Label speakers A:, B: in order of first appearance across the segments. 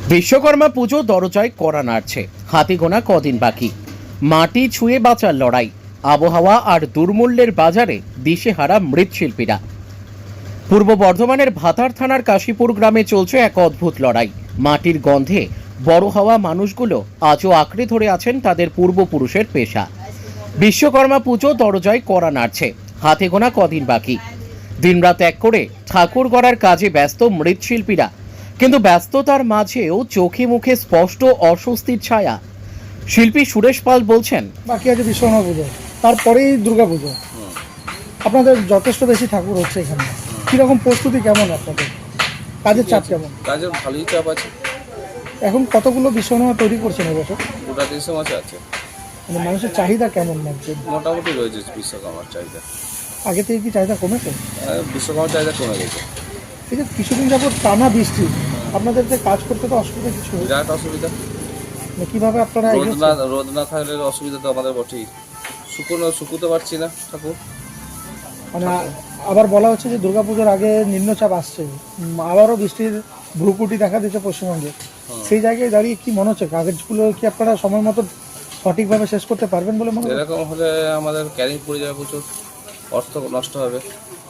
A: বিশ্বকর্মা পুজো দরজায় কড়া নাড়ছে, হাতে গোনা কদিন বাকি। মাটি ছুঁয়ে বাঁচার লড়াই, আবহাওয়া আর দুর্মূল্যের বাজারে দিশেহারা মৃৎশিল্পীরা। পূর্ব বর্ধমানের ভাতার থানার কাশীপুর গ্রামে চলছে এক অদ্ভুত লড়াই। মাটির গন্ধে বড় হওয়া মানুষগুলো আজও আঁকড়ে ধরে আছেন তাদের পূর্বপুরুষের পেশা। বিশ্বকর্মা পুজো দরজায় কড়া নাড়ছে, হাতে গোনা কদিন বাকি। দিনরাত এক করে ঠাকুর গড়ার কাজে ব্যস্ত মৃৎশিল্পীরা, কিন্তু ব্যস্ততার মাঝেও চোখে মুখে স্পষ্ট অস্বস্তির ছায়া। শিল্পী সুরেশ পাল বলছেন,
B: বাকি আছে বিশ্বকর্মা পুজো, তারপরেই দুর্গা পুজো। আপনাদের যথেষ্ট বেশি ঠাকুর হচ্ছে এখানে, কিরকম প্রস্তুতি কেমন আপনাদের? কাজের চাপ কেমন?
C: কাজের ভালোই চাপ আছে।
B: এখন কতগুলো বিশ্বকর্মা তৈরি করছেন এবছর?
C: গোটা দেশে মাছ আছে,
B: মানে মানুষের চাহিদা কেমন লাগছে?
C: মোটামুটি রয়েছে বিশ্বকর্মার চাহিদা।
B: আগে থেকে কি চাহিদা কমেছে?
C: বিশ্বকর্মার চাহিদা কমে গেছে।
B: এই যে কিছুদিন যাবত টানা বৃষ্টি, আপনাদের যে কাজ করতে তো অসুবিধা কিছু হয়েছে?
C: বিরাট অসুবিধা।
B: মানে কিভাবে আপনারা
C: রোদ না থাকলে অসুবিধা তো আমাদের বটেই। শুকুতে পারছি না ঠাকুর।
B: মানে আবার বলা হচ্ছে যে দুর্গাপুজোর আগে নিম্নচাপ আসছে, আবারও বৃষ্টির ভ্রুকুটি দেখা দিচ্ছে পশ্চিমবঙ্গে। সেই জায়গায় দাঁড়িয়ে কি মনে হচ্ছে, কাগজগুলো কি আপনারা সময় মতো সঠিকভাবে শেষ করতে পারবেন বলে মনে হচ্ছে?
C: এরকম হলে আমাদের ক্যারিং পড়ে যাবে, প্রচুর অর্থ নষ্ট হবে।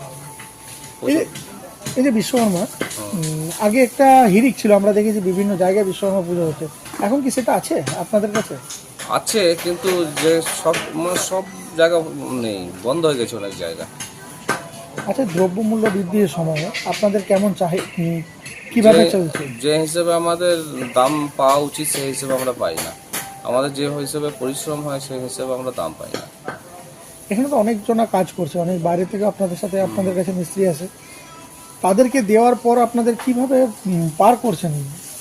B: এই যে বিশ্বকর্মা, আগে একটা হিড়িক ছিল, আমরা দেখেছি বিভিন্ন জায়গায় বিশ্বকর্মা পুজো হচ্ছে, এখন কি সেটা আছে আপনাদের কাছে?
C: আছে, কিন্তু যে সব জায়গা নেই, বন্ধ হয়ে গেছে অনেক জায়গা।
B: আচ্ছা, দ্রব্যমূল্য বৃদ্ধির সময় আপনাদের কেমন কিভাবে চলছে?
C: যে হিসেবে আমাদের দাম পাওয়া উচিত সেই হিসেবে আমরা পাই না। আমাদের যে হিসেবে পরিশ্রম হয় সেই হিসেবে আমরা দাম পাই না।
B: এখানে তো অনেকজনা কাজ করছে, অনেক বাইরে থেকে আপনাদের সাথে আপনাদের কাছে মিস্ত্রি আছে, তাদেরকে দেওয়ার পর আপনাদের কিভাবে পার করছেন?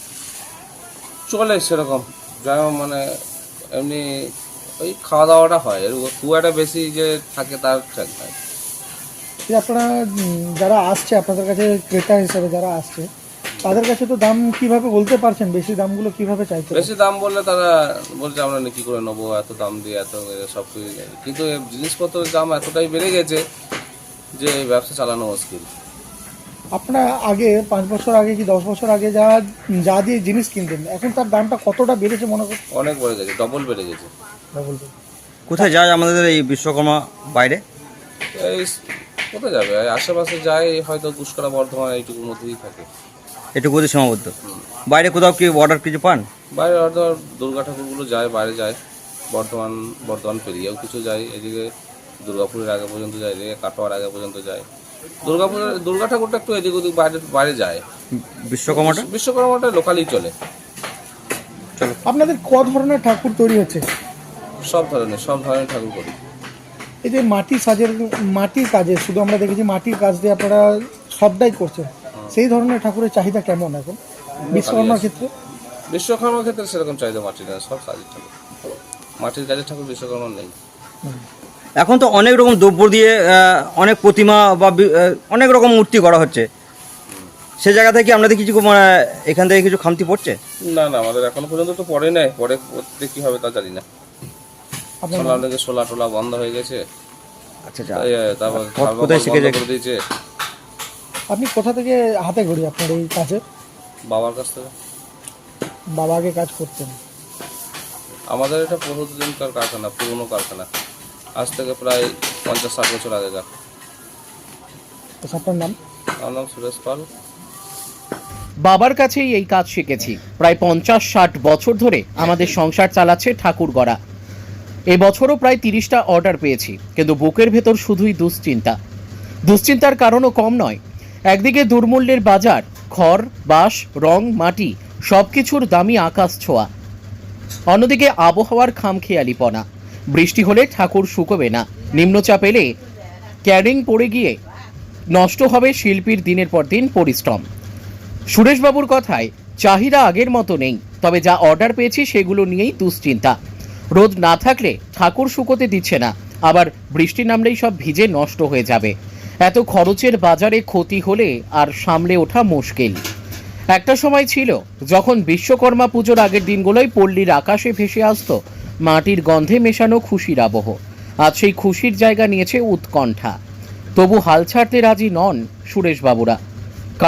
C: চলে সেরকম, যেমন মানে এমনি ওই খাওয়া দাওয়াটা হয়, এর খুব একটা বেশি যে থাকে তার ঠিক নয়।
B: যে আপনারা যারা আসছে আপনাদের কাছে ক্রেতা হিসেবে যারা আসছে, তাদের কাছে তো দাম কিভাবে বলতে পারছেন? বেশি দামগুলো কিভাবে চাইতে?
C: বেশি দাম বললে তারা বলছে আমরা কি করে নেবো, এত দাম দিয়ে এত সব কিছু। কিন্তু জিনিসপত্রের দাম এতটাই বেড়ে গেছে যে ব্যবসা চালানো মুশকিল।
B: আপনারা আগে 5 বছর আগে কি 10 বছর আগে যা দিয়ে জিনিস কিনতেন, এখন তার দামটা কতটা বেড়েছে মনে করুন?
C: অনেক বেড়ে গেছে, ডবল বেড়ে গেছে।
D: কোথায় যায় আমাদের এই বিশ্বকর্মা বাইরে?
C: এই কোথায় যাবে, আশেপাশে যায় হয়তো পুষ্করা, বর্ধমান, এইটুকুর মধ্যেই থাকে।
D: একটু কোথায় সীমাবদ্ধ, বাইরে কোথাও কি অর্ডার কিছু পান?
C: বাইরে হয়তো দুর্গা ঠাকুরগুলো যায়, বাইরে যায়, বর্ধমান পেরিয়েও কিছু যায়, এদিকে দুর্গাপুরের আগে পর্যন্ত যায়, এদিকে কাটোয়ার আগে পর্যন্ত যায়। দুর্গা ঠাকুরটা একটু এদিক ওদিক বাইরে যায়। বিশ্বকর্মাটা লোকালি চলে।
B: আপনাদের ক ধরনের ঠাকুর তৈরি হচ্ছে?
C: সব ধরনের ঠাকুর করি।
B: এই যে মাটির কাজে শুধু আমরা দেখেছি মাটির কাজ দিয়ে আপনারা সবটাই করছেন, সেই ধরনের ঠাকুরের চাহিদা কেমন এখন বিশ্বকর্মার ক্ষেত্রে?
C: বিশ্বকর্মার ক্ষেত্রে সেরকম চাহিদা মাটির না, সব কাজের ঠাকুর। মাটির কাজের ঠাকুর বিশ্বকর্মা নেই।
D: এখন তো অনেক রকম দ্রব্য দিয়ে অনেক প্রতিমা বা অনেক রকম মূর্তি করা হচ্ছে, সে জায়গা থেকে আপনাদের কিছু এখান থেকে কিছু খামতি পড়ছে?
C: না, আমাদের এখনো পর্যন্ত তো পড়ে নাই, পরে করতে কি হবে তা জানি না। সোলা টোলা বন্ধ হয়ে গেছে।
D: আচ্ছা,
C: তারপর
D: কোথায় শিখেছে
C: দিয়েছে?
B: আপনি কোথা থেকে হাতে ঘড়ি আপনার এই কাজে?
C: বাবার কাছ থেকে।
B: বাবা আগে কাজ করতেন?
C: আমাদের এটা বহুদিনকার কারখানা, পুরনো কারখানা, আজ থেকে প্রায় 50-60 বছর আগেকার।
B: আপনার নাম?
C: আমার নাম সুরেশ পাল।
A: বাবার কাছেই এই কাজ শিখেছি। প্রায় 50-60 বছর ধরে আমাদের সংসার চালাচ্ছে ঠাকুর গড়া। এবছরও প্রায় 30টা অর্ডার পেয়েছি, কিন্তু বুকের ভেতর শুধুই দুশ্চিন্তার কারণও কম নয়। একদিকে দুর্মূল্যের বাজার, খড়, বাঁশ, রং, মাটি সবকিছুর দামই আকাশ ছোঁয়া। অন্যদিকে আবহাওয়ার খামখেয়ালিপনা, বৃষ্টি হলে ঠাকুর শুকোবে না, নিম্নচাপ এলে ক্যারিং পড়ে গিয়ে নষ্ট হবে শিল্পীর দিনের পর দিন পরিশ্রম। সুরেশবাবুর কথায় চাহিদা আগের মতো নেই, তবে যা অর্ডার পেয়েছি সেগুলো নিয়েই দুশ্চিন্তা। রোদ না থাকলে ঠাকুর শুকোতে দিচ্ছে না, আবার বৃষ্টি নামলেই সব ভিজে নষ্ট হয়ে যাবে। এত খরচের বাজারে ক্ষতি হলে আর সামলে ওঠা মুশকিল। একটা সময় ছিল যখন বিশ্বকর্মা পুজোর আগের দিনগুলোই পল্লীর আকাশে ভেসে আসতো মাটির গন্ধে মেশানো খুশির আবহ। আজ সেই খুশির জায়গা নিয়েছে উৎকণ্ঠা। তবু হাল ছাড়তে রাজি নন সুরেশবাবুরা, কারণ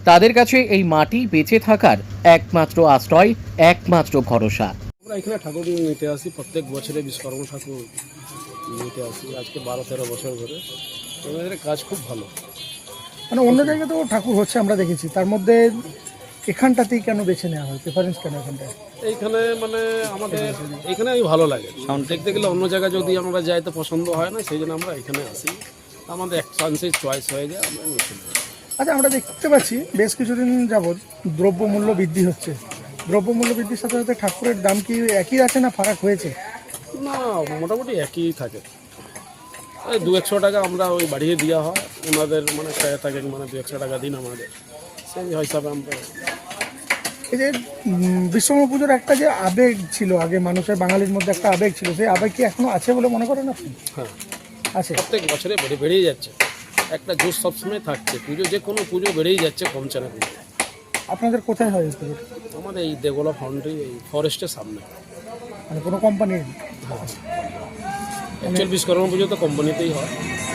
A: তাদের কাছে এই মাটি বেঁচে থাকার একমাত্র আশ্রয়, একমাত্র ভরসা।
E: আমরা এখানে ঠাকুর নিতে আসি, প্রত্যেক বছরে বিশ্বকর্মা ঠাকুর নিতে আসি, আজকে 12-13 বছর ধরে। আমাদের কাজ খুব ভালো।
B: মানে অন্য জায়গাতেও ঠাকুর হচ্ছে আমরা দেখেছি, তার মধ্যে এখানটাতেই কেন বেছে নেওয়া হয়, প্রেফারেন্স কেন এখানটায়?
E: এইখানে মানে আমাদের এখানে ভালো লাগে। দেখতে গেলে অন্য জায়গায় যদি আমরা যাই তো পছন্দ হয় না, সেই জন্য আমরা এখানে আসি। আমাদের এক চান্সে চয়েস হয়ে যায়, আমরা নিতে পারি।
B: আচ্ছা, আমরা দেখতে পাচ্ছি বেশ কিছুদিন যাবৎ দ্রব্যমূল্য বৃদ্ধি হচ্ছে। দ্রব্যমূল্য বৃদ্ধির সাথে সাথে ঠাকুরের দাম কি একই আছে না ফারাক হয়েছে?
E: না, মোটামুটি একই থাকে। এই 200-100 টাকা আমরা ওই বাড়িয়ে দেওয়া হয়, ওনাদের মানে চায় থাকে মানে 200-100 টাকা দিন আমাদের, সেই হিসাবে আমরা।
B: এই যে বিশ্বকর্মা পুজোর একটা যে আবেগ ছিল আগে মানুষের, বাঙালির মধ্যে একটা আবেগ ছিল, সেই আবেগ কি এখনো আছে বলে মনে করেন আপনি?
E: হ্যাঁ,
B: আছে।
E: প্রত্যেক বছরে বেড়েই যাচ্ছে, একটা জোশ সবসময় থাকছে। পুজো যে কোনো পুজো বেড়েই যাচ্ছে, কমছে না পুজো।
B: আপনাদের কোথায় হয় এই পুজোটা?
E: আমাদের এই দেগোলা ফাউন্ডারি, এই ফরেস্টের সামনে।
B: মানে কোনো কোম্পানির?
E: অ্যাকচুয়াল বিশ্বকর্মা পুজো তো কোম্পানিতেই হয়।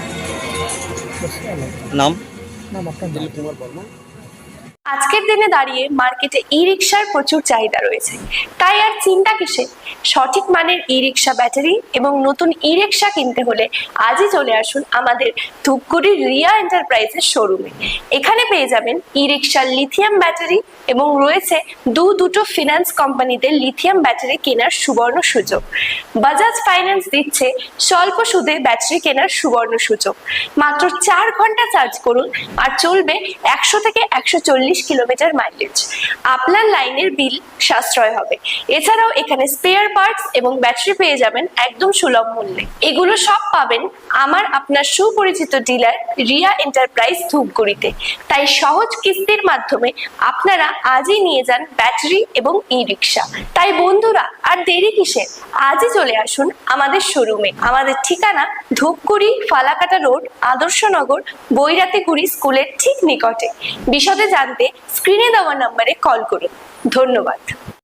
D: নাম?
B: নাম আপনার?
E: দিলীপ কুমার বর্মা।
F: আজকের দিনে দাঁড়িয়ে মার্কেটে ই রিক্সার প্রচুর চাহিদা রয়েছে, তাই আর চিন্তা কিসে? সঠিক মানের ই রিক্সা ব্যাটারি এবং নতুন ই রিক্সা কিনতে হলে আজই চলে আসুন আমাদের ধূপগুড়ির রিয়া এন্টারপ্রাইজের শোরুমে। এখানে পেয়ে যাবেন ই রিক্সার লিথিয়াম ব্যাটারি এবং রয়েছে দুটো ফিনান্স কোম্পানিতে লিথিয়াম ব্যাটারি কেনার সুবর্ণ সুযোগ। বাজাজ ফাইন্যান্স দিচ্ছে স্বল্প সুদে ব্যাটারি কেনার সুবর্ণ সুযোগ। মাত্র 4 ঘন্টা চার্জ করুন আর চলবে 100 থেকে 140 কিলোমিটার মাইলেজ। আপনার লাইনের বিল সাশ্রয় হবে। এছাড়াও এখানে স্পেয়ার পার্টস এবং ব্যাটারি পেয়ে যাবেন একদম সুলভ মূল্যে। এগুলো সব পাবেন আপনার সুপরিচিত ডিলার রিয়া এন্টারপ্রাইজ ধূপগুড়িতে। তাই সহজ কিস্তির মাধ্যমে আপনারা আজই নিয়ে যান ব্যাটারি এবং ই রিক্সা। তাই বন্ধুরা, আর দেরি কিসের? আজই চলে আসুন আমাদের শোরুমে। আমাদের ঠিকানা ধূপগুড়ি ফালাকাটা রোড, আদর্শনগর, বৈরাতিগুড়ি স্কুলের ঠিক নিকটে। বিশদে জানতে স্ক্রিনে দেওয়া নম্বরে কল করুন। ধন্যবাদ।